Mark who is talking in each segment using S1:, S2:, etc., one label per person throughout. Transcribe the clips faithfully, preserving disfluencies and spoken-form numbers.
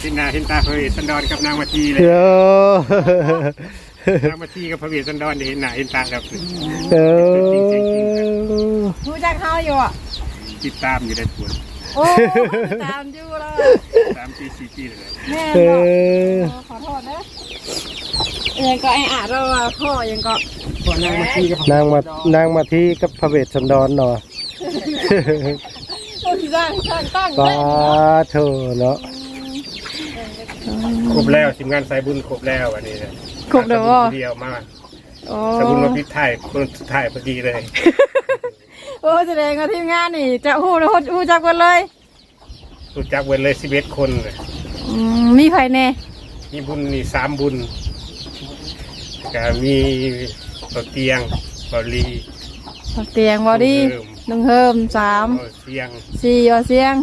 S1: เห็นหน้าเห็นตาพระเวสสันดรกับนางมาทีเลยนางมาทีกับพระเวสสันดรเห็นหน้าเห็นตาครับ
S2: เออ
S3: รู้จักเขาอยู่อ่ะ
S1: ติดตามอยู่ได้ผล
S3: โอ้ตามอยู่เลย
S1: สามปีสี่ปีเลย
S3: แม่ขอโทษนะยังก็ไอ้อาเราพ่อยังก็
S1: นางมาทีกับ
S2: นางมานางมาทีกับพระเวสสันดรเนาะ
S3: ตั้งตั้งตั้ง
S2: ป้าเธอเนาะ
S1: ครบแล้วทีมงานสายบุญครบแล้ววันนี้นะ
S3: ครบแล้ว
S1: เดียวมาสายบุญมาพิถ่ายคนสุดท้ายพอดีเลย
S3: โอ้แสดงว่าทีมงานนี่จะหู้หู้หู้จักกันเลย
S1: รู้จักเว้นเลยสิบเอ็ดคนเลย
S3: มีใครแน่
S1: มีบุญนี่สามบุญก็มีเบาเตียงเบาลี
S3: เบาเตียงบอดี้หนึ่งเฮิมสาม
S1: เสียง
S3: สี่บาเสียง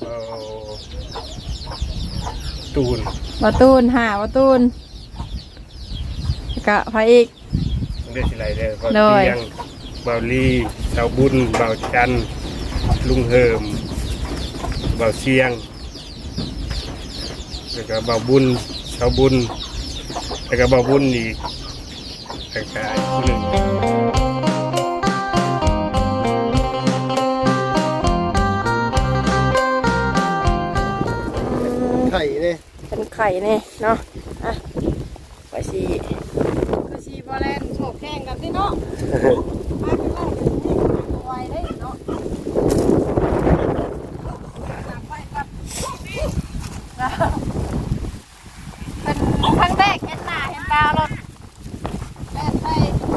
S1: ตูน
S3: บาตูนห้าบาตูนกะพระอีก
S1: ได้สิไรเด้อเบาเตียงเบาลีเสาบุญเบาจันลุงเฮิมเบาเสียงแล้วก็เบาบุญเสาบุญแล้วก็เบาบุญอีกแล้วก็อีกคนหนึ่ง
S2: ไข่เนี่ย
S3: เป็นไข่เนี่ยเนาะอ่ะไปสีไปสีบอลเลนโฉบแข่งกันสิเนาะมาขึ้นมาไวได้เนาะเป็นครั้งแรกเห็นหน้าเห็นตาเราแม่ใส่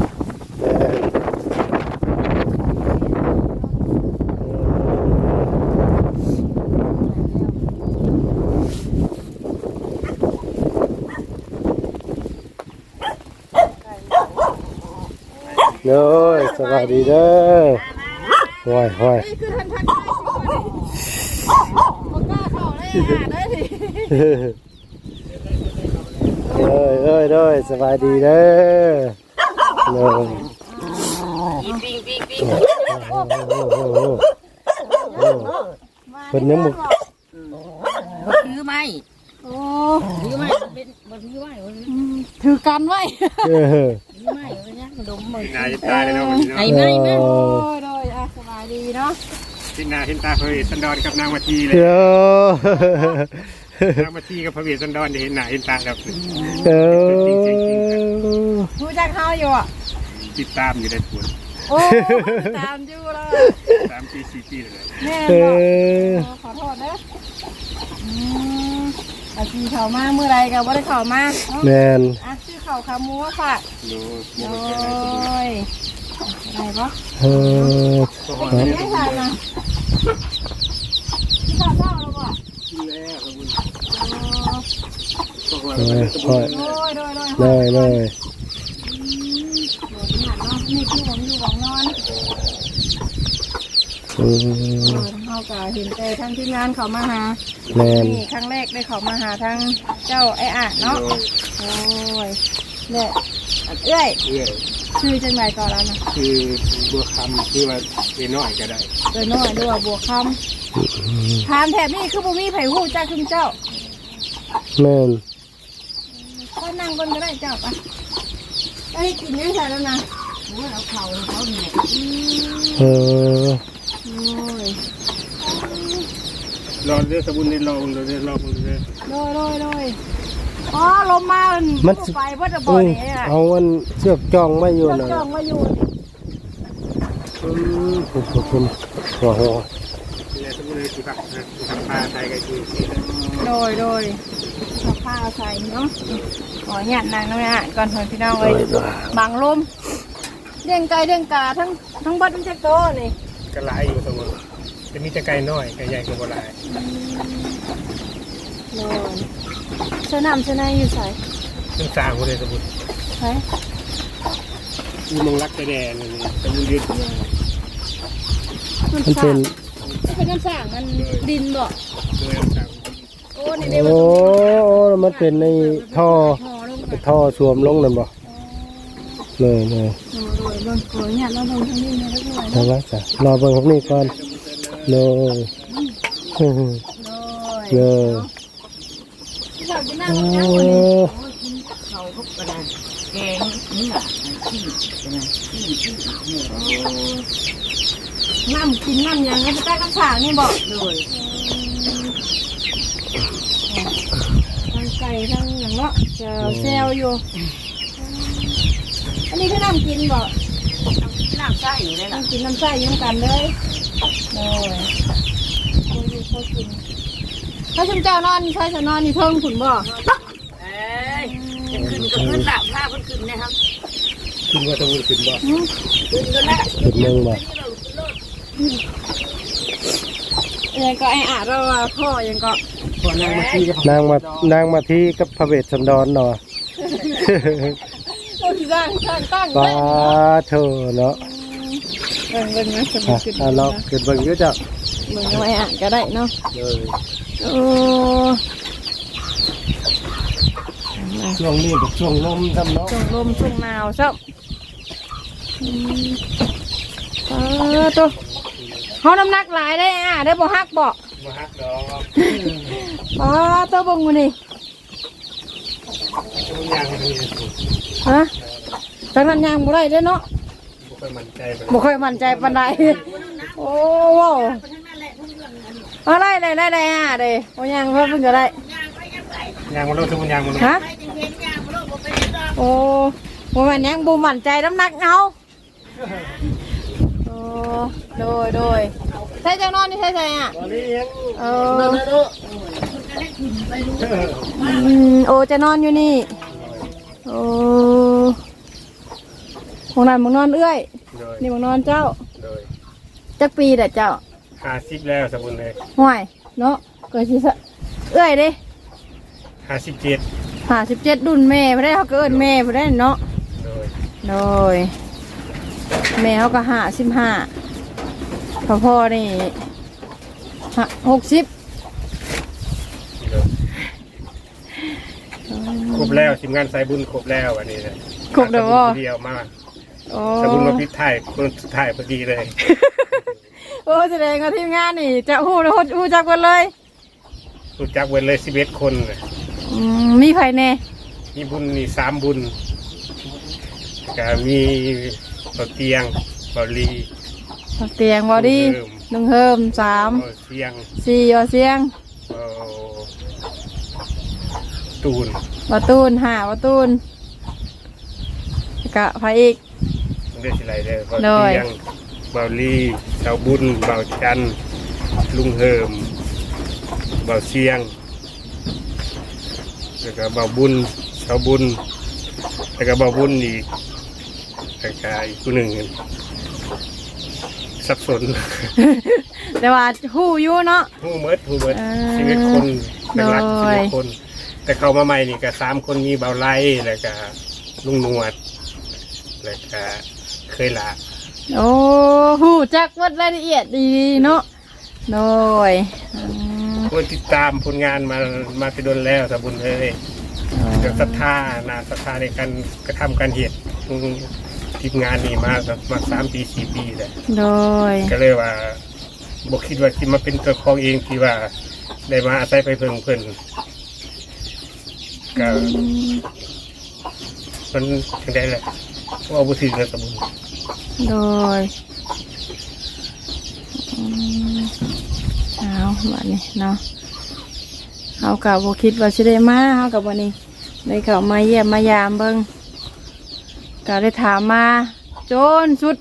S2: เด้อสวัสดีเด้อห้อยห้อย
S3: นี่คือทันทันได้สิคนนี้บอกกล้าเข้าได้อ่ะได้ดิ
S2: เด้อเด้อเด้อสวัสดีเด้อเด้อ
S3: ปิ๊งปิ๊งปิ๊งปิ๊ง
S2: เป็นน้ำมุก
S3: ถือไม้โอ้ถือไม้เป็นบนถือไม้ถือกันไว้ถือไม้เป็นยังดมมือน
S1: ายตายเลยเนาะ
S3: ไอ้ไม้แม่โอ้ยโดยอ่ะสบายดีเนาะ
S1: เห็นหน้าเห็นตาพระเวสสันดรกับนางมาทีเลยนางมาทีกับพระเวสสันดรเห็นหน้าเห็นตาครับ
S2: เออ
S3: รู้จักเขาอยู่อ่ะ
S1: ติดตามอยู่ได้ผล
S3: โอ้ตามอยู่เลย
S1: สามปีสี่ปีเลย
S3: แม่ขอโทษนะอืมอาชีเขามาเมื่อไรกับว่าได้เขามา
S2: แมน
S3: อ่ะชื่อเขาขามัวฝากโอ้ยอะไรปะ
S2: เออ
S3: เป็นยังไงนะที่ข้าวเจ้าเราบอก
S1: กินแล้วครับคุณ
S2: โอ้ยโอ้ย
S3: โดยโดยโดย
S2: เลย
S3: นี่คือผมอยู่ของนอน
S2: อืม
S3: เขาก็เห็นใจทั้งที่งานเขามาหานี่ครั้งแรกได้เขามาหาทั้งเจ้าไอ้อ่ะเนาะโอ้ยเนี่ยเอ้ยชื่อจังไรก่อนแล้วนะ
S1: คือบัวคำคือว่าเอน้อยก็ได้
S3: เอน้อยด้วยบัวคำทานแถบนี้คือบุมีไผ่หูจ้าคุณเจ้า
S2: แม่น
S3: ก็นั่งบนก็ได้เจ้าปะได้กินยังไงแล้วนะเอาเข่าเขาเนี่ย
S2: เออ
S3: โอ้ย
S1: รอเรื่องสมุนในรอเรื่องรอมันเลย
S3: โดยโดยโดยอ๋อลมมามันไปว่าจะบ่อยเนี่ย
S2: เอาอันเชือกจ้องไม่อยู่นะ
S3: จ้องไม่อยู่
S2: อืมคุณคุณโอ้โห
S1: เนี่ยสมุนในสิบนะทำปลาไทยกันคือ
S3: โดยโดยทำผ้าใส่เนาะขอหยาดนางน้อยอ่ะก่อนเถอะพี่น้องเลยบางลมเลี้ยงไก่เลี้ยงกาทั้งทั้งบ้านทั้งเจ้าโตนี่
S1: กระไรอยู่สมุนจะมีแต่ไก่น้อยไก่ใหญ่ก็กระไร
S3: โดยเสนามเสนายอยู่ใส่
S1: ซึ่งสร้างคนเลยสมุน
S3: ใช่
S1: มีมงรักแต่แดงนี่สมุนยืด
S3: มันเป็นเป็นน้ำสร้างมันดินบ่โอ้นี่เดี๋ยว
S2: มันเป็นในท่อท่อสวมลงนั่นบ่เลยเลย
S3: โดยโดยโดยเนี่ยเราลงทางนี้เนี่ยแล้ว
S2: ด้วยนะจ้ะรอเบิ่งพวกนี้ก่อนเลยเลย
S3: ข้าวกินน้ำ
S2: โอ้
S3: ยังวันนี้
S4: เขาก็กระดานแกงนี่แหละที่ใช่ไหมที่ที่เนี่ย
S3: น้ำกินน้ำยังก็จะได้กระฉากนี่บอก
S4: เลย
S3: ทั้งไก่ทั้งอย่างเนาะเจอแซวอยู่อันนี้คือน้ำกินบอก
S4: น้ำใส่อยู่เลยล่ะ
S3: น้ำกินน้ำใส่ยุ่งกันเลยโอ้ยเขาอยู่เขากินถ้าชุมเจ้านอนใช่จะนอนนี่เทิงขุนบ่
S4: เอ้ยจะขึ้นก็ขึ้นหลับผ้าขึ้นขึ้นนะครับ
S1: ขึ้นว่าต้องขึ้นบ่
S4: ขึ้นก็แล้ว
S2: เป็นเมืองบ่
S3: ยังก็ไอ้อาเราว่าพ่อยังก็
S4: พอนางมาที่กับ
S2: นางมานางมาที่กับพระเวทสันดรเนาะ
S3: โอ้ยสร้างสร้างตั้ง
S2: ป้า
S3: เล่น
S2: เธอเนาะ
S3: เบิ่งเบิ่งนะสม
S2: อ่ะ
S3: ขึ้น
S2: อ่ะเราเกิดเบิ่งเยอะจ้ะ
S3: เบิ่งไว้อ่านก็ได้เนาะ
S2: เลย
S3: โอ้
S2: ช่วงนี้กับช่วงลมทำเนาะ
S3: ช่วงลมช่วงหนาวซับอืมเออตัวเขาน้ำหนักหลายได้อ่ะได้บ่ฮักบ่
S1: มาฮักดอก
S3: ป้าตัวเบิ่งมานี่
S1: ทุกอย่างมันมี
S3: ฮะจังนั้นยังบ่ได้เด้อเนาะ
S1: บุคคลมั่นใจไป
S3: บ่ค่อยมั่นใจปานใดโอ้ว้าวอะไรได้ได้ได้อ่ะเด้บ่ยังเพิ่นเพิ่นก็ได้
S1: ยางมันลดทุกยางมันลด
S3: ฮะโอ้บ่แม่นยังบ่มั่นใจน้ำหนักเอาโอ้โดยโดยใช่จังนอนนี่ใช่ใช่อ่ะ
S2: ตอนนี้ยัง
S3: เอออืมโอ้จะนอนอยู่นี่โอ้ของนั้นมึงนอนเอื้อย
S1: โดย
S3: นี่มึงนอนเจ้า
S1: โดย
S3: จักปีแต่เจ้า
S1: ห้าสิบแล้วสมบูรณ์เลย
S3: ห่วยเนาะเกิดสิสะเอื้อยเด้
S1: ห้าสิบเจ็ด
S3: ห้าสิบเจ็ดรุ่นแม่พอได้เขาเกินแม่พอได้เนาะ
S1: โดย
S3: โดยแม่เขาก็ห้าสิบห้าพอพ่อนี่ห้าหกสิบ
S1: โดยครบแล้วทีมงานสายบุญครบแล้ววันนี้เลย
S3: ครบแล้วบ่
S1: เดียวมาก
S3: โอ้
S1: สายบุญมาพิถ่ายคนสุดท้ายพอดีเลย
S3: โอ้แสดงว่าทีมงานนี่จะหู้หู้หู้จักกันเลย
S1: รู้จักเว้นเลยสิบเอ็ดคนน่ะ
S3: อืมมีใครแน่
S1: มีบุญมีสามบุญก็มีเบาเตียงเบาลี
S3: เตียงบอดี้หนึ่งเฮิมสาม
S1: เบาเสียง
S3: สี่ยอเสียง
S1: เบาตูน
S3: บาตูนห้าบาตูนกะพระอีก
S1: มันได้สิไรเด้อเบา
S3: โดย
S1: เตียงเบาลีเสาบุญเบาจันทร์ลุงเฮิมเบาเสียงแล้วก็เบาบุญเสาบุญแล้วก็เบาบุญอีกแล้วก็อีกผู้หนึ่งสับสน
S3: แต่ว่าหู้อยู่เนาะ
S1: ผู้เมิดผู้เมิด
S3: อ่า
S1: ชีวิตคนเป็นหลัก
S3: โด
S1: ชี
S3: ย
S1: วิตคน แต่เขามาใหม่นี่ก็สามคนมีเบาไล่แล้วก็ลุงหนวดแล้วก็เคยละ
S3: โอ้หู้จักวัดรายละเอียดดีเนาะโดยอืม
S1: คนติดตามผลงานมามาไปโดนแล้วสมบุญเลยกับศรัทธานาศรัทธาในการกระทำการเหตุทีมงานนี่มามาสามปีสี่ปีเลย
S3: โดย
S1: ก็เลยว่าบอกคิดว่าที่มาเป็นตัวของเองที่ว่าได้มาอาศัยไปเพิ่งเพิ่นก็
S3: อืม
S1: มันถึงได้แหละว่าบุตรนะสมบูรณ์
S3: โดยอืมเอาแบบนี้เนาะเอากับโบคิดว่าสิได้มาเอากับวันนี้ได้เข้ามาเยี่ยมมายามเบิ่งก็ได้ถามมาโจนสุด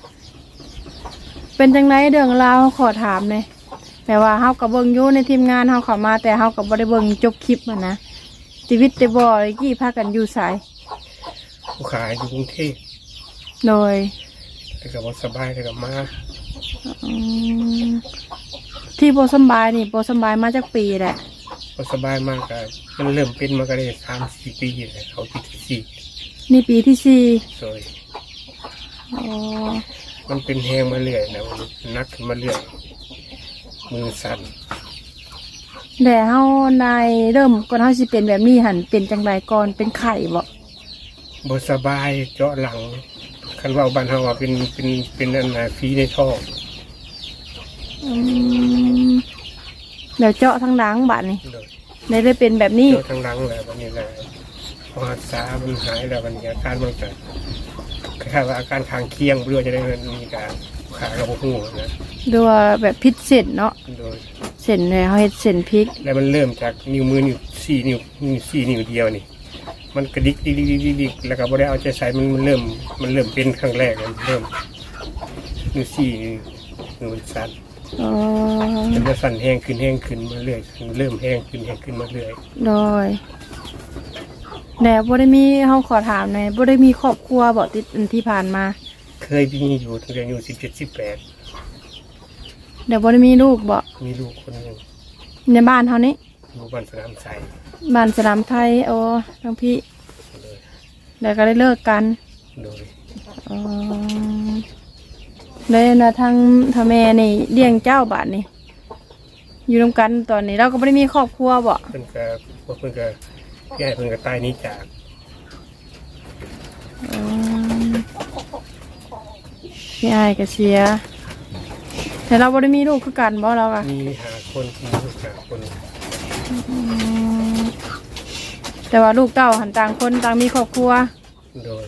S3: เป็นจังไรเรื่องราวขอถามเลยแต่ว่าเฮากับเบิ่งอยู่ในทีมงานเฮาเข้ามาแต่เฮากับบ่ได้เบิ่งจบคลิปมันนะชีวิตแต่บ่ได้กี่พากันอยู่สาย
S1: ผู้ขายอยู่กรุงเทพ
S3: โดย
S1: แต่ก็บ่สบายแต่ก็มา
S3: อืมที่บ่สำบายนี่บ่สำบายมาจากปีแหละ
S1: บ่สบายมากก็มันเริ่มเป็นมาก็ได้สามสี่ปีแล้วเขาปีที่สี่
S3: นี่ปีที่สี่
S1: โดย
S3: อ๋อ
S1: มันเป็นแหงมาเรื่อยนะมันนักขึ้นมาเรื่อยมือสั่น
S3: แต่เฮาในเริ่มก่อนเฮาสิเป็นแบบนี้หันเป็นจังไรก่อนเป็นไข้บ่
S1: บ่สบายเจาะหลังคันว่าบ้านเฮาว่าเป็นเป็นเป็นอันน่ะฝีในท้อง
S3: อืมแล้วเจาะทางหลังบัดนี่
S1: โดย
S3: ได้ได้เป็นแบบนี้
S1: เจอทางหลังแล้ววันนี้แหละพอรักษามันหายแล้ววันนี้อาการมันเกิดคล้ายๆว่าอาการข้างเคียงเพื่อจะได้มีการขากระบอกหูนะ
S3: ดูว่าแบบพิษเส้นเนาะ
S1: โดย
S3: เส้นเลยเขาเฮ็ดเส้นพริก
S1: แล้วมันเริ่มจากนิ้วมือนิ้วสี่นิ้วนิ้วสี่นิ้วเดียวนี่มันกระดิกดิกดิกดิกดิกดิกแล้วก็บ่ได้เอาใจใส่มันมันเริ่มมันเริ่มเป็นครั้งแรกมันเริ่มนิ้วสี่นิ้วมันสั่น
S3: อ๋อ
S1: มันจะสั่นแห้งขึ้นแห้งขึ้นมาเรื่อยเริ่มแห้งขึ้นแห้งขึ้นมาเรื่อย
S3: โดยแต่บ่ได้มีเฮาขอถามหน่อยบ่ได้มีครอบครัวบ่ติดอันที่ผ่านมา
S1: เคยมีอยู่ตั้งแต่อายุสิบเจ็ดสิบแปด
S3: เดี๋ยวบ่ได้มีลูกบ่
S1: มีลูกคนหนึ่ง
S3: ในบ้านเฮานี่
S1: อยู่บ้านสนามใส
S3: บ้านสนามไทยโอ้ทั้งพี่แล้วก็ได้เลิกกัน
S1: โดย
S3: อ๋อเลยนะทางทางแม่นี่เลี้ยงเจ้าบาทนี่อยู่ร่วมกันตอนนี้เราก็ไม่ได้มีครอบครัวบ่
S1: เพิ่นก็พวกเพิ่นก็ย้ายเพิ่นก็ตายหนี้จาก
S3: อืมพี่อายก็เสียแต่เราไม่ได้มีลูกคือกันบ่เราอะ
S1: มีหาคนมีลูกหาคน
S3: อืมแต่ว่าลูกเต้าหันต่างคนต่างมีครอบครัว
S1: โดย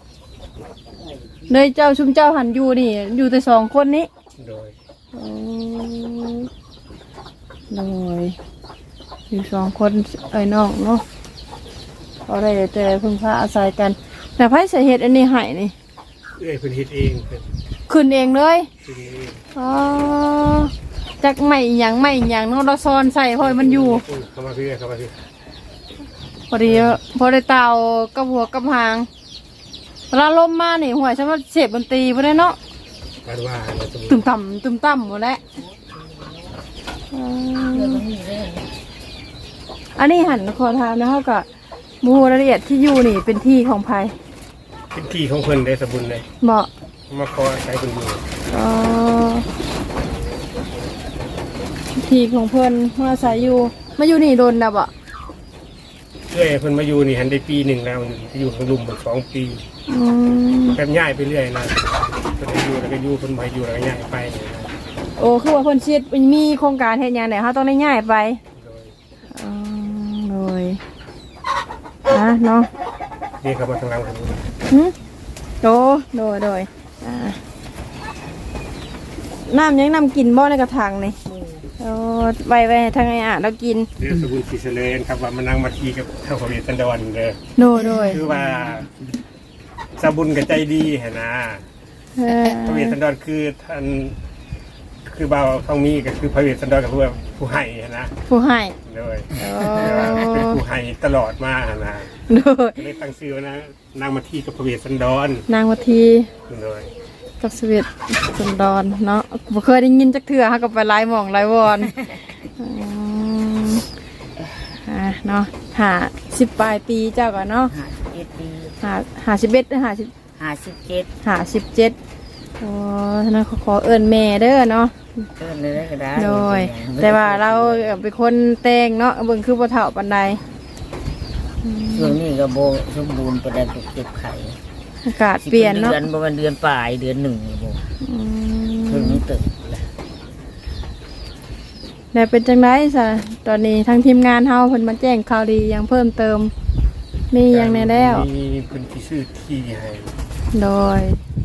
S3: เลยเจ้าชุมเจ้าหันอยู่นี่ อยู่แต่สองคนนี้
S1: โดย
S3: อืมเลยอยู่สองคนไอ้น้องเนาะเขาได้แต่พึ่งพาอาศัยกัน แต่ไพ่สาเหตุอันนี้ใหายนี่
S1: เอ้ยเพิ่นเฮ็ดเองเพิ่น
S3: ขึ้นเองเลย
S1: เฮ็ดเอง
S3: อ๋อจากไม่หยังไม่หยังเนาะเราซ้อนใส่พอยมันอยู่
S1: เข้ามาพี่เข้ามาพี่
S3: พอดีพอได้เตากับหัวกับหางเวลาลมมานี่หัวฉันว่าเสียบดนตรีพอได้เนาะ
S1: การว่าเราจะ
S3: ตึมต่ำตึมต่ำหมดแล้วอืมอันนี้หันขอถามนะเขากับมูรายละเอียดที่อยู่นี่เป็นที่ของภัย
S1: เป็นที่ของเพิ่นได้สมบูรณ์เลย
S3: เหมาะ
S1: มาขออาศัยเพิ่นอยู่
S3: อ๋อที่ของเพื่อนมาอาศัยอยู่มาอยู่นี่โดนนะบ่
S1: เอ้ยเพิ่นมาอยู่นี่หันได้ปีหนึ่งแล้วอยู่ข้างลุมหมดสองปี
S3: อืม
S1: แบบย้ายไปเรื่อยนะเพิ่นให้อยู่แล้วก็อยู่เพิ่นบ่ให้อยู่แล้วก็ย้ายไปนะ
S3: โอ้คือว่าเพิ่นชิดมีโครงการเฮ็ดหยังเนี่ยเขาต้องได้ง่ายไป
S1: โดย
S3: อืมโดยอ่ะเนาะ
S1: เรียกเขามาทางหลังผม
S3: หึโดโดยโดยอ่าน้ำยังน้ำกินบ่ในกระถางนี่โอ้ไว้ไว้ให้ทางไอ้อ่ะเรากิน
S1: เรียกสกุลศรีเสเลนครับว่ามานั่งมาทีกับเท่าพระเวทสันดรเด้อ
S3: โดยโดย
S1: คือว่าสบุญกับใจดีเห็นนะ
S3: เออ
S1: พระเวทสันดรคือท่านคือบ่าวทองมีก็คือพระเวทสันดรกับผู้ผู้ให้เห็นนะ
S3: ผู้ให้
S1: โดย
S3: โอ้
S1: เป็นผู้ให้ตลอดมาเห็นนะ
S3: โดย
S1: ก็เลยตั้งชื่อว่านะนางมาทีกับพระเวทสันดร
S3: นางวัที
S1: โดย
S3: กับสวีทสุนดอนเนาะบ่เคยได้ยินจักเทื่อฮะกับไปไล่หม่องไล่วอนอืมอ่ะเนาะหาสิบปลายปีเจ้าก่อนเนาะ
S4: ห้าสิบเจ็ดปี
S3: หาหาสิบเอ็ดหรือหาสิบ
S4: ห้าสิบเจ็ด
S3: หาสิบเจ็ดโอ้ฉะนั้นขอขอเอิ้นแม่เด้อเนาะ
S4: เกินเลยก็ได้
S3: โดย แต่ว่าเราเป็นคนแต่งเนาะเบิ่งคือบ่เฒ่าปานใด
S4: ช่วงนี้ก็โบสมบูรณ์ประดับเก็บไข่
S3: อากาศเปลี่ยนเนาะ
S4: เดือนประมาณเดือนปลายเดือนหนึ่งนี่โบ
S3: อื
S4: เพิ่ง
S3: ม
S4: ตึกเลย
S3: แล้วเป็นจังได๋ซะตอนนี้ทางทีมงานเฮาเพิ่นมาแจ้งข่าวดีหยังเพิ่มเติม มีหยังแน่แล้ว
S1: มีพื้นที่ชื่อที่ให้
S3: โดย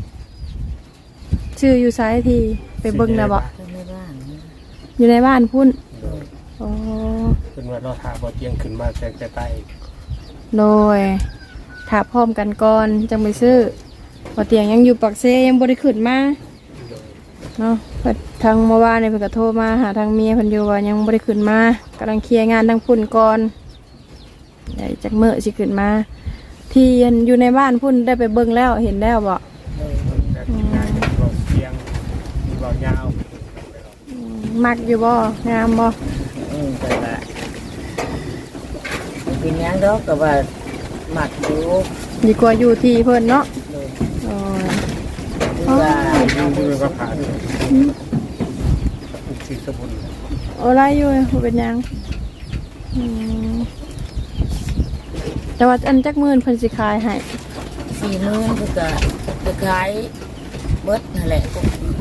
S3: ชื่ออยู่ซ้ายทีไปเบิ่งนะบ่
S4: เพิ่งไม่บ้านนะ
S3: อยู่ในบ้านพุ่น
S1: โดย
S3: โอ้
S1: เป็นว่ารอถาบ่เตียงขึ้นมาแต่แต่ใต้
S3: โดยถ้าพร้อมกันก่อนจังไปซื้อบ่เตียงยังอยู่ปักเซยังบ่ได้ขึ้นมา
S1: โดย
S3: เนาะเพิ่นทางเมื่อวานนี่เพิ่นก็โทรมาหาทางเมียเพิ่นอยู่ว่ายังบ่ได้ขึ้นมากำลังเคลียร์งานทางพุ่นก่อนเดี๋ยวจักมื้อสิขึ้นมา ที่อยู่ในบ้านพุ่นได้ไปเบิ่งแล้วเห็นแล้วบ่
S4: เลย
S1: แต่ทีมงานมีบ่เสียงมีบ่ยาว
S3: อืมมักอยู่บ่งามบ่
S4: อืมแต่ว่าเป็นหยังดอกก็ว่าหมักอยู่
S3: ดีกว่าอยู่ที่เพิ่นเนาะ
S4: เลย
S3: โอ้ย
S4: คือว่า
S1: ดูดูก็ผ่านสีสมุน
S3: โอ้ไรอยู่บ่เป็นหยังอืมแต่ว่าอันจักมื่นเพิ่นสิขายให้
S4: สี่หมื่นคือก็จะขายเบิดนั่นแหละพวก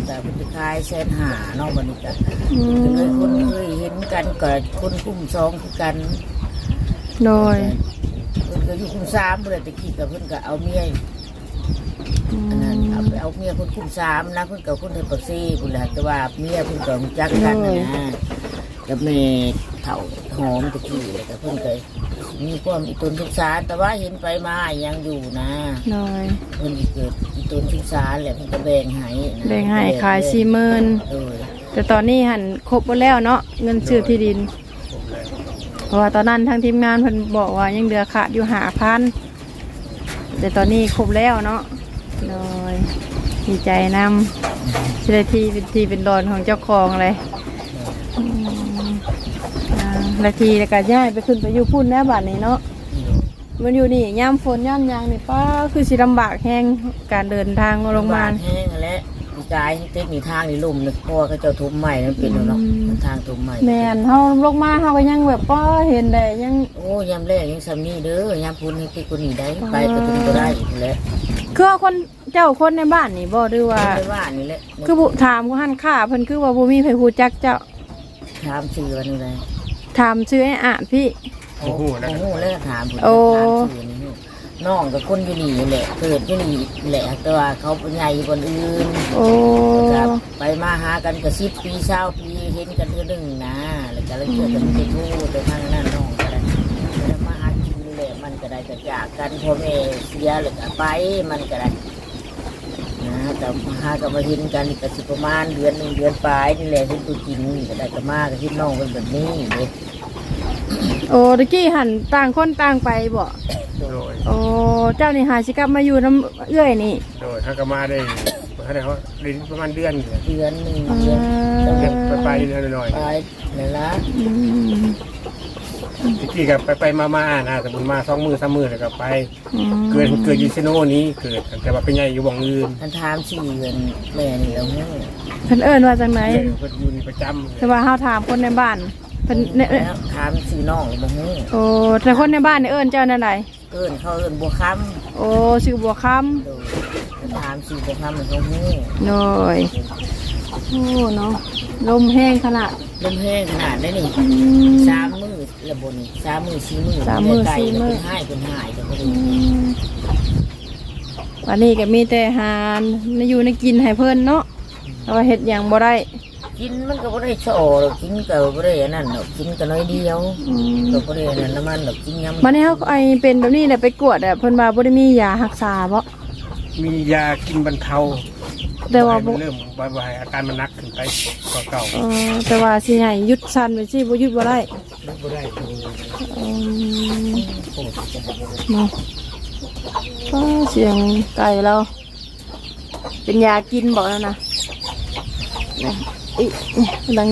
S4: แต่เป็นคล้ายแสนหาเนอกบันนี้กัน
S3: อื
S4: ก็เลยคน
S3: ม
S4: เคยเห็นกันก็คนคุ้มสองคือกัน
S3: โดย
S4: เพิ่นก็อยู่คุ้มสามเพื่อนตะกี้กับเพิ่นก็เอาเมีย
S3: อื
S4: อันนั้นเอา
S3: ม
S4: ไปเอาเมียคนคุ้มสามนะเพิ่นกับคนเฮปักซี่พุ่นแหละแต่ว่าเมียเพิ่นก็รู้จักกันนะนะกับแม่เฒ่าหอมตะกี้แล้วก็เพิ่นก็มีความอีตนทุกสารแต่ว่าเห็นไปมายังอยู่นะ
S3: โดย
S4: เพิ่นสิเกิดอีตนทุกสารแหละเพิ่นก็แบ่งให้นะ
S3: แบ่งให้ขายสี่หมื่น
S4: เออ
S3: แต่ตอนนี้หันครบหมดแล้วเนาะเงินซื้อที่ดิน
S1: ผมเลย
S3: เพราะว่าตอนนั้นทางทีมงานเพิ่นบอกว่ายังเหลือขาดอยู่หาพันแต่ตอนนี้ครบแล้วเนาะโดยดีใจนำสิได้ที่เป็นที่เป็นดอนของเจ้าของเลยอืมอ่าและทีแล้วก็ย้ายไปขึ้นไปอยู่พุ่นแล้วบัดนี้เนาะมันอยู่นี่ย่ำฝนย่ำหยางนี่ป้าคือสิลำบากแห้งการเดินทางลงมา
S4: แห้งแล้วมีกายเทคนิคทางนี่ลุ่มนึกเพราะว่าเขาเจ้าทุบใหม่นั่นเป็นแล้วเนาะ
S3: อืม
S4: มันทางทุบใหม่
S3: แม่นเฮาลงมาเฮาก็ยังแบบป้าเห็นได้ยัง
S4: โอ้ยามแรกยังซ้ำนี่เด้อยามพุ่นให้ติคนนี้ได้ไปก็ถึงก็ได้อีกแล้ว
S3: คือว่าคนเจ้าคนในบ้านนี่บ่หรือว่า
S4: ไม่ว่านี่แหละ
S3: คือบุถามก็หันค่าเพิ่นคือว่าบ่มีไผฮู้จักเจ้า
S4: ถามชื่อวันนี้เลย
S3: ถามชื่อให้อ่านพี่
S1: โอ้โหนะ
S4: โอ้โหแล้วถามผม
S3: โอ้
S4: ถามชื่อนี่น้องกับคนอยู่นี่แหละเกิดอยู่นี่แหละแต่ว่าเขาเป็นใหญ่คนอื่น
S3: โอ้
S4: ครับไปมาหากันก็สิบปีเศร้าปีเห็นกันเทื่อหนึงนะแล้วก็เลยเจอกันไปทู่ไปทางนั้นน้องก็ได้แล้วมาหากินแหละมันก็ได้ก็จากกันพ่อแม่เสียหรือก็ไปมันก็ได้นะแต่มาหาก็มาเห็นกันก็สิประมาณเดือนหนึ่งเดือนปลายนี่แหละที่ตัวจริงนี่ก็ได้ก็มาก็ที่น้องเป็นแบบนี้เลย
S3: โอ้ตะกี้หันต่างคนต่างไปบ่
S1: โดย
S3: โอ้เจ้านี่หาสิกลับมาอยู่น้ำเอื้อยนี่
S1: โดยถ้าก็มาได้เขาได้เขาได้ประมาณเดือนเนี่ย
S4: เดือนหนึ่ง
S3: อ่า
S4: เดือน
S1: เดือนไปไปเดือนหน่อย
S4: ปลายเลยละ
S3: อืม
S1: ๆทีกี้กับไปไปมามานะแต่บุญมาสองมือสามมือแล้วก็ไป
S3: อืม
S1: เกิดเกิดอยูเซโนนี้เกิดแต่ว่าเป็นใหญ่อยู่บ่องอื่น
S4: ท่านถามสี่เดือนแม่นี่แล้วเนี่ย
S3: เพิ่นเอิ้นว่าจังได
S1: เกิดเกิดอยู่นี่ประจำ
S3: แต่ว่าเฮาถามคนในบ้านเพิ่นเนี่ย
S4: แล้วถามสี่น้องหรือบ่ฮู้
S3: โอ้แต่คนในบ้านนี่เอิ้นเจ้านั่นใด
S4: เอิ้นเขาเอิ้นบัวค
S3: โอ้ชื่อบัวคำ
S4: ำโดยถามสี่บัวคำมันเขาฮู้
S3: โดยโอ้เนาะลมแห้งขนาด
S4: ลมแห้งขนาดได้นี่
S3: อืม
S4: สามมือระบนี่สามมือสี่มือ
S3: สามมื้อ
S4: ไก่
S3: สี่มื้อ
S4: เป็นห้ายเป็นหายแต่ก็ดู
S3: อืมวันนี้ก็มีแต่หารในอยู่ในกินให้เพิ่นเนาะแต่ว่าเฮ็ดหยังบ่ได้
S4: กินมันก็บ่ได้โชว์หรอกกินก็บ่ได้อันนั้นหรอกกินก็น้อยเดียว
S3: อืม
S4: ก็บ่ได้อันนั้นน้ำมันหรอกกินยำ
S3: วันนี้เฮาไอเป็นแบบนี้แหละไปกวดอ่ะเพิ่นว่าบ่ได้มียารักษาบ่
S1: มียากินบรรเทา
S3: แต่ว่า
S1: ให้
S3: บ่
S1: มันเริ่มบ่ายๆอาการมันหนักขึ้นไปกว่าเก่า
S3: เออแต่ว่าสิให้หยุดสั่นไปสิบ่หยุดบ่ได้
S1: บ่ได้
S3: อืมเนาะก็เสียงไก่เราเป็นยากินบ่แล้วนะนะอีดัง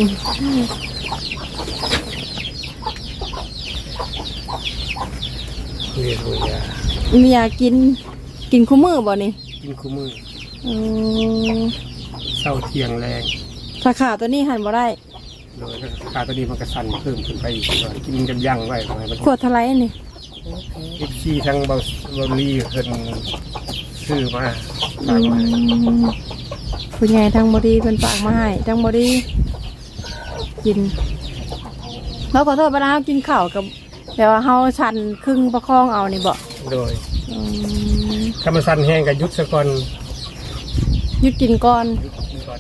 S1: เรียนรู้ยา
S3: มียากินกินคู่มือบ่นี่
S1: กินคู่มือ
S3: เออ
S1: เศร้าเที่ยงแรง
S3: ถ้าขาตัวนี้หันบ่ได้
S1: โดยขาตัวนี้มันก็สั่นเพิ่มขึ้นไปอีกว่ากินกันยั่งไว้ทำไมมัน
S3: ขวดเท่าไหร่นี่
S1: เอฟซีทั้งเบาเบาลีเพิ่นซื้อมาฝากมาให้
S3: ผู้ใหญ่ทางบดีเป็นฝากมาให้ทางบดีกินเราขอโทษไปนะกินข้าวกับแต่ว่าเฮาชันครึ่งประคองเอานี่บ่
S1: โดย
S3: อืม
S1: ถ้ามันสั่นแห้งกับยุดซะก่อน
S3: หยุดกินก่อน
S1: ยุดก่อน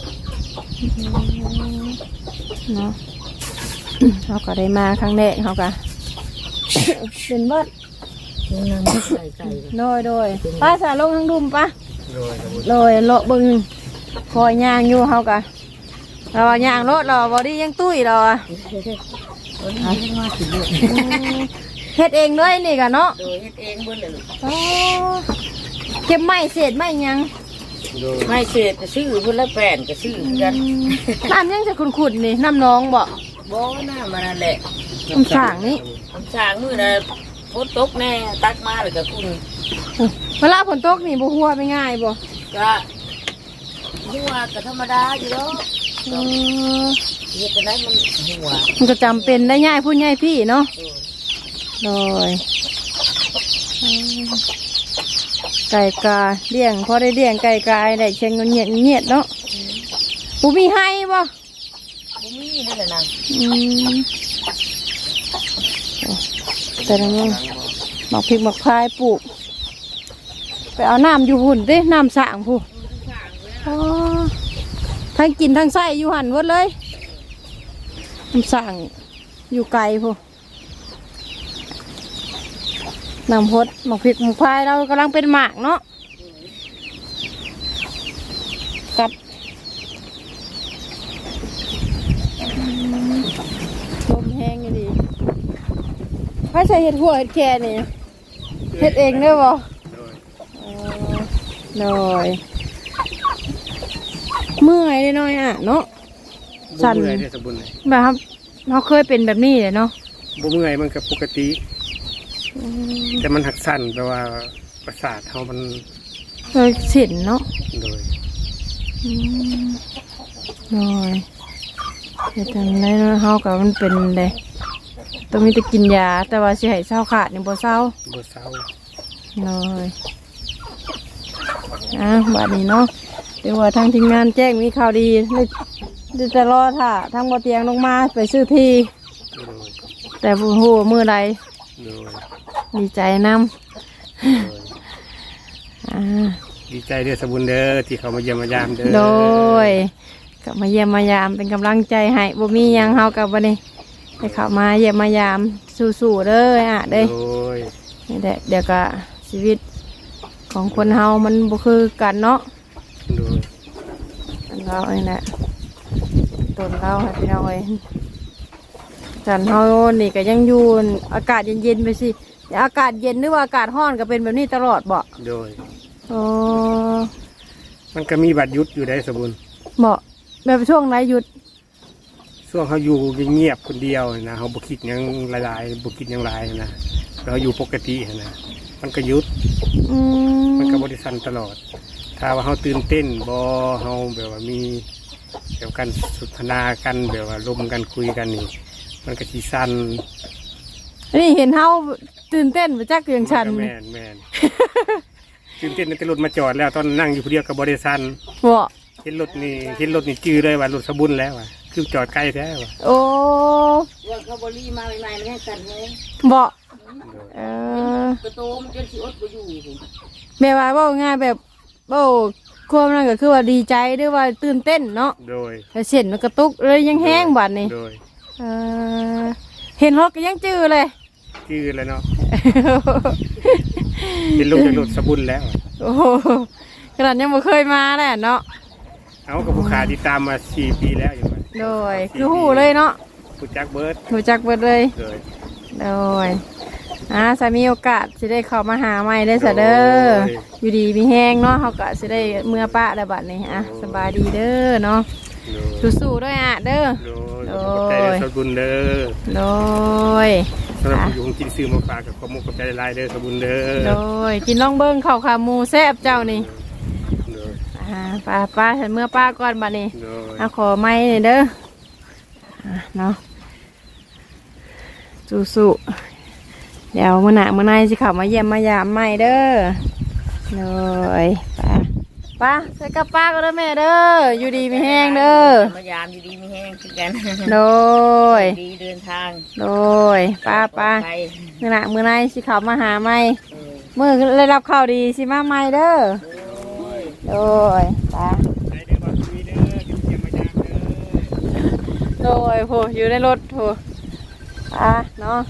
S3: เนาะ เขาก็ได้มาครั้งแรกเขาก็ เป็นเบิด
S4: กินน้ำไก่ไก่
S3: โดยโดยป้าสาลงทางดุมปะ
S1: โดยสมมุติ
S3: โดยเลาะเบึงคอยย่างอยู่เขาก็เราว่าย่างรถเราบอดี้ยังตุ้ยเราอะ
S4: วันนี้ยังมาถึงเลย
S3: เฮ็ดเองเลยนี่กันเนาะ
S4: โดยเฮ็ดเองเบิ่เลย
S3: อ๋อเก็บไม้เศษไม้หยัง
S1: โดย
S4: ไม่เสร็จก็ซื้อพุ่นละแป้นก็ซื้อเหมือนกัน
S3: น้ำยังจะขุนๆนี่น้ำน้องบ่
S4: บ่น่ามันนั่นแหละ
S3: น้ำสางนี่
S4: คำสั่งมื้อน่ะฝนตกแน่ตักมาแล้วก็คุณ
S3: เวลาฝนตกนี่บ่หัวไปง่ายบ่
S4: ก็หัวก็ธรรมดาอยู่แล้ว
S3: เออ
S4: เฮ็ดจังได๋มันหัว
S3: มันก็จำเป็นได้ง่ายพูดง่ายพี่เนาะโดยเออไก่กาเลี้ยงพอได้เลี้ยงไก่กาได้เชียงเงียดเงียดเนาะ
S4: อืม
S3: ปูมีให้บ่
S4: บ่มีนี่แหละนาง
S3: อืมแต่ละมื้อหมักพริกหมักพายปลูกไปเอาน้ำอยู่หุ่นดิน้ำสร้างผู้อ๋อทั้งกินทั้งใส่อยู่หันหมดเลยน้ำสร้างอยู่ไกลผู้น้ำพดหมักพริกหมักพายเรากำลังเป็นหมากเนาะกับลมแห้งอยู่ดีถ้าใส่เห็ดหัวเห็ดแค่นี่เห็ดเองได้บ่หน่อยเมื่อยเลยน้อยอ่ะเนาะ
S1: บ่เมื่อยได้สมบูรณ์เลย
S3: แบบครับเราเคยเป็นแบบนี้เลยเนาะ
S1: บ่เมื่อยมันก็ปกติ แต่มันหักสั่นแปลว่าประสาทเฮามัน
S3: เคยเสินเนาะ
S1: โดย
S3: อืมหน่อยเห็ดจังไรเนาะเฮากับมันเป็นเลยต้องมีแต่กินยาแต่ว่าสิให้เศร้าขาดนี่บ่เศร้า
S1: บ่เศร้า
S3: หน่อยอ่ะบัดนี้เนาะเดี๋ยวว่าทางทีมงานแจ้งมีข่าวดีเลยเดี๋ยวจะรอถ้าทางบ่เตียงลงมาไปซื้อที่
S1: โดย
S3: แต่บ่ฮู้ว่ามื้อใด
S1: โดย
S3: ดีใจนำ
S1: โดย
S3: อ่า
S1: ดีใจเด้อสมบูรณ์เด้อที่เขามาเยี่ยมมายามเด้อ
S3: โดยกลับมาเยี่ยมมายามเป็นกำลังใจให้บ่มีหยังเฮากับวันนี้ให้เข้ามาเยี่ยมมายามสู้ๆเด้ออ่ะเด้อ
S1: โดย
S3: นี่แหละเดี๋ยวก็ชีวิตของคนเฮามันบ่คือกันเนาะ
S1: โดย
S3: อันเราเองแหละตนเราให้พี่น้องเอ้ยจันเฮานี่ก็ยังอยู่อากาศเย็นๆไปสิแต่อากาศเย็นหรือว่าอากาศร้อนก็เป็นแบบนี้ตลอดบ่
S1: โดย
S3: อ๋อ
S1: มันก็มีบัตรยุทธอยู่ได้สมบูรณ์
S3: บ่แบบช่วงไหนหยุด
S1: ช่วงเขาอยู่เงียบๆคนเดียวนะเขาบุคิดหยังหลายๆบุคิดหยังหลายนะเราอยู่ปกตินะมันก็หยุด
S3: อืม
S1: มันก็บริสันตลอด ถ้าว่าเขาตื่นเต้นบอเขาแบบว่ามีเกี่ยวกันสนทนากันแบบว่าลมกันคุยกันนี่มันก็สีสัน
S3: อันนี้เห็นเฮาตื่นเต้นมาจากเรื่องฉัน
S1: มัก็แม่นแม่น ตื่นเต้นในตรถมาจอดแล้วตอนนั่งอยู่คนเดียวกับบริสัน
S3: บ่
S1: เห็นรถนี่เห็นรถนี่จื้อเลยว่ารถสบุนแล้วว่ะคือจอดใกล้แท้ว่ะ
S3: โอ้
S4: ว่าเขาบ่รีมาใหม่ๆแล้วให้กันเลย
S3: บ่เออก
S4: ระโตมันจนสิอดบ่อยู่พุ่น
S3: แม่ว่าเว้าง่ายแบบเว้าความนั้นก็คือว่าดีใจด้วยว่าตื่นเต้นเนาะ
S1: โดย
S3: แต่เส้นมันกระตุกเลยยังแห้งบัดนี่
S1: โดย
S3: เออเห็นรถก็ยังจื้อเลย
S1: จื้อเลยเนาะเห็นลงจากรถสบุนแล้วว่ะ
S3: โอ้โหขนาดยังบ่เคยมาแหละเนาะ
S1: เอากับผู้ขาติดตามมาสี่ปีแล้วอยู่ว่ะ
S3: โดยคือหู้เลยเนาะ
S1: ผู้จักเบิร์ด
S3: รู้จักเบิดเลย
S1: เลย
S3: โดยอ่าสามีโอกาสสิได้เข้ามาหาใหม่ได้ซะเด้ออยู่ดีมีแห้งเนาะเฮาก็สิได้เมื่อปะแล้วบัดนี้อ่ะสบายดีเด้อเนาะ
S1: โดย
S3: สู้ๆด้วยอ่ะเด้อ
S1: โดย
S3: โด
S1: ขอบใจ
S3: ย
S1: เด้อสบุนเด้อ
S3: โดย
S1: สำหรับผู้อยู่ของกินซื้อมาฝากกับขอมุกขอบใจหลายๆเด้อสบุนเด้อ
S3: โดยกินล่องเบิ้งข้าวขาหมูแซ่บเจ้านี่
S1: โดย
S3: อ่าป้าป้าฉันเมื่อป้าก่อนบัดนี้
S1: โดย
S3: เอาขอไม้หน่อยเด้ออ่ะเนาะสู้ๆเดี๋ยวมื้อหน้ามื้อในสิเข้ามาเยี่ยมมายามใหม่เด้อโดยป้าป้าใส่กับป้าก็เด้อแม่เด้ออยู่ดีมีแห้งเด้อ
S4: มายามอยู่ดีมีแห้งคือกัน
S3: โดย
S4: ดีเดินทาง
S3: โดยป้าป้า
S4: ไป
S3: มื้อหน้ามื้อในสิเข้ามาหาใหม่
S4: เออ
S3: มื้อได้รับข่าวดีสิมาใหม่เด้อ
S4: โอ้ย
S3: โดยป้า
S1: ใจเด้อบ่คุยเด้อกินเยี่ยมมายามเด้อ
S3: โดยโหอยู่ในรถโหป้าเนาะ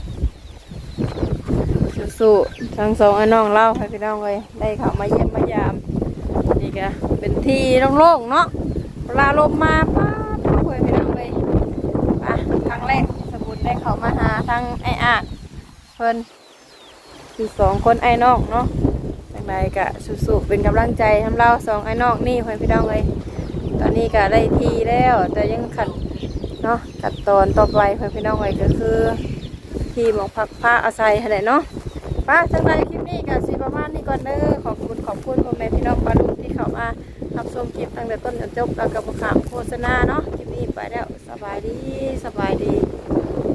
S3: สู้ๆทั้งสองไอ้น้องเล่าให้พี่น้องเลยได้เข้ามาเยี่ยมมายามนี่ก็เป็นที่โล่งๆเนาะเวลาลมมาป้าทุกคนพี่น้องเลยป้าครั้งแรกสมุนได้เข้ามาหาทั้งไอ้อาดเพิ่นคือสองคนไอ้น้องเนาะจังใดก็สู้ๆเป็นกำลังใจทำเราสองไอ้น้องนี่ให้พี่น้องเลยตอนนี้ก็ได้ทีแล้วแต่ยังขัดเนาะขัดตอนต่อไปให้พี่น้องเลยก็คือที่หมองพักผ้าอาศัยอะไรเนาะป้าจังใดคลิปนี้ก็สิประมาณนี้ก่อนเด้อขอบคุณขอบคุณพ่อแม่พี่น้องปารุที่เข้ามารับชมคลิปตั้งแต่ต้นจนจบแล้วก็บ่ขามโฆษณาเนาะคลิปนี้ไปแล้วสบายดีสบายดี